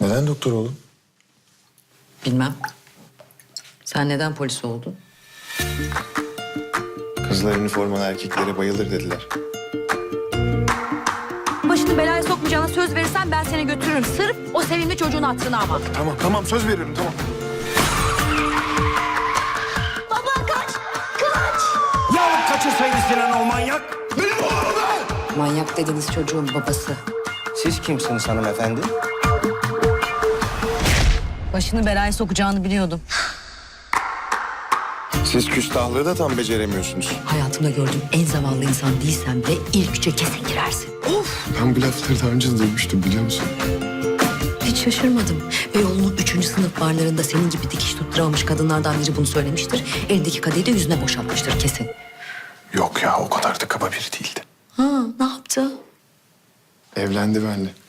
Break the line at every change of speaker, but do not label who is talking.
Neden doktor oğlum?
Bilmem. Sen neden polis oldun?
Kızlar üniformalı erkeklere bayılır dediler.
Başını belaya sokmayacağına söz verirsen ben seni götürürüm. Sırf o sevimli çocuğun hatırına ama.
Tamam söz veriyorum tamam.
Baba kaç! Kaç!
Ya kaçırsaydı Sinan o manyak?
Manyak dediğiniz çocuğun babası.
Siz kimsiniz hanımefendi?
Başını belaya sokacağını biliyordum.
Siz küstahlığı da tam beceremiyorsunuz.
Hayatımda gördüğüm en zavallı insan değilsen de ilk üçe kesin girersin.
Ben bu lafları daha önce de duymuştum biliyor musun?
Hiç şaşırmadım. Beyoğlu'nun 3. sınıf barlarında senin gibi dikiş tutturamamış kadınlardan biri bunu söylemiştir. Elindeki kadehi de yüzüne boşaltmıştır kesin.
Yok ya o kadar da kaba biri değildi.
Ha, ne yaptı?
Evlendi benimle.